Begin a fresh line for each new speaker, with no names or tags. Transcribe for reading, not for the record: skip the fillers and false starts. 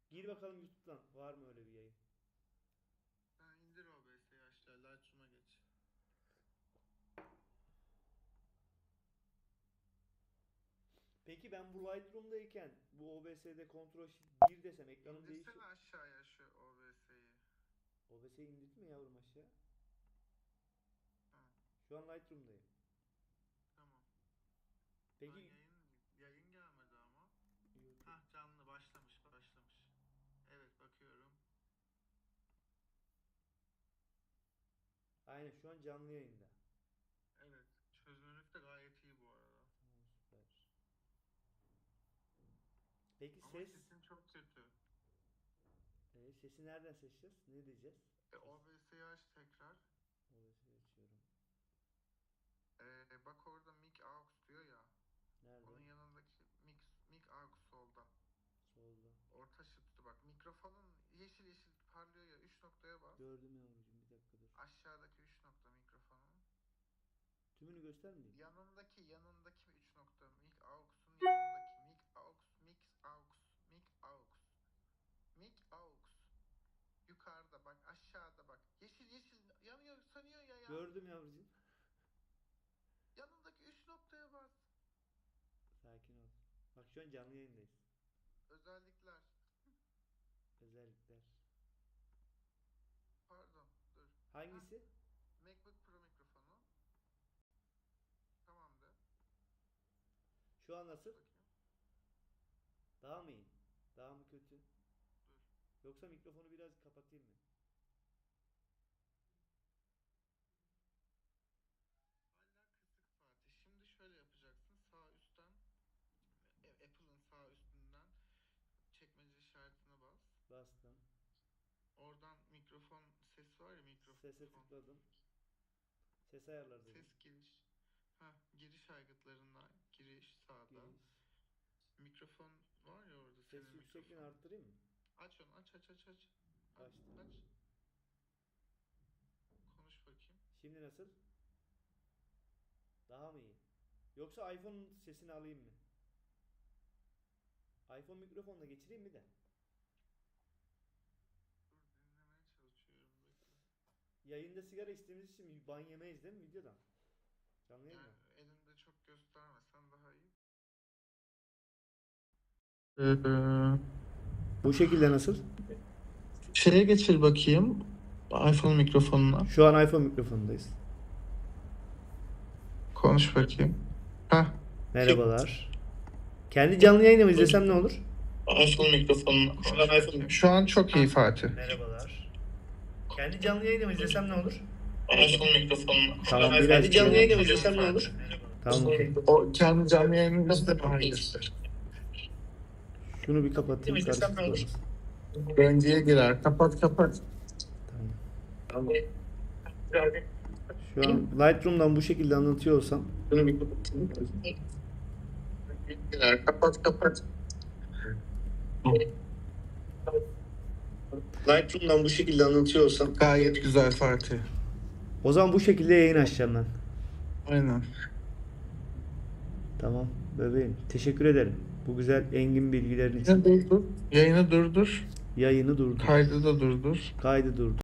Gir bakalım YouTube'dan. Var mı öyle bir yayın?
Sen indir OBS'yi aşağı. Lightroom'a geç.
Peki ben bu Lightroom'dayken bu OBS'de Ctrl Shift 1 desem ekranım değişiyor.
İndirsene aşağıya şu OBS'yi.
OBS'yi indirdim mi yavrum aşağı?
Ha,
Şu an Lightroom'dayım.
tamam.
Peki
Lan yayın gelmedi ama.
YouTube.
Hah, canlı başlamış. Evet, bakıyorum.
Aynen şu an canlı yayında.
Evet. Çözünürlük de gayet iyi bu arada.
Tamam, süper. Peki
Ama
ses?
sesin çok kötü.
Sesi nereden seçeceğiz? Ne diyeceğiz?
OBS'yi aç tekrar.
OBS'yi açıyorum.
Bak orada mic aux diyor ya.
Nerede?
Onun yanındaki mic aux solda.
Solda.
Orta şıttı bak. Mikrofonun yeşil yeşil parlıyor ya. 3 noktaya bas.
Gördüm yavrucuğum, bir dakika dur.
Aşağıdaki 3 nokta mikrofonun.
Tümünü göstermeyeyim.
Yanındaki 3 nokta. Mic aux'un yanındaki mic aux. Yukarıda bak, aşağıda bak. Yeşil yeşil yanıyor, sanıyor ya.
Gördüm yavrucuğum.
Yanındaki 3 noktaya bas.
Sakin ol. Bak şu an canlı yayındayız.
Özellikler.
Özellikler.
Pardon, dur.
Hangisi?
MacBook Pro mikrofonu. Tamamdır.
Şu an nasıl?
Bakayım.
Daha mı iyi? Daha mı kötü?
Dur.
Yoksa mikrofonu biraz kapatayım mı?
Hala kısık Fatih. Şimdi şöyle yapacaksın. Sağ üstten Apple'ın sağ üstünden çekmece işaretine bas.
Bastım.
Oradan mikrofon ses var ya, mikrofon.
Sese tıkladım. Ses ayarları dedim.
Ses giriş. Giriş aygıtlarından giriş sağda.
Giriş.
Mikrofon var ya orada,
Ses
senin
yüksekliğini
mikrofon.
arttırayım mı?
Aç onu, aç.
Açtım.
Aç. Konuş bakayım.
Şimdi nasıl? Daha mı iyi? Yoksa iPhone'un sesini alayım mı? iPhone mikrofonla geçireyim mi de?
Dur, dinlemeye çalışıyorum, bekle.
Yayında sigara içtiğimiz için ban yemeyiz değil mi videodan? Canlı yayın
Yani
mı?
elinde çok göstermesen daha iyi.
Bu şekilde nasıl?
Şeye geçir bakayım. iPhone mikrofonuna.
Şu an iPhone mikrofonundayız.
Konuş bakayım.
Merhabalar. Kendi canlı yayını mı izlesem ne olur?
iPhone mikrofonuna. Şu an çok iyi Fatih.
Merhabalar. Kendi canlı yayını mı izlesem ne olur?
iPhone mikrofonuna.
Tamam, biraz
Kendi canlı yayını mı izlesem ne olur?
Tamam, okey.
O kendi canlı yayını da daha iyi.
Şunu bir kapatayım. Karıştırmasın.
Önceye girer. Kapat.
Tamam. Şu an Lightroom'dan bu şekilde anlatıyor olsam.
Bunu bir kapatayım. Girer. Kapat.
Lightroom'dan bu şekilde anlatıyor olsam.
Gayet güzel Fatih.
O zaman bu şekilde yayın açacağım ben.
Aynen.
Tamam bebeğim. Teşekkür ederim. Bu güzel engin bilgilerin için.
Yayını durdur.
Yayını durdur.
Kaydı da durdur.
Kaydı durdur.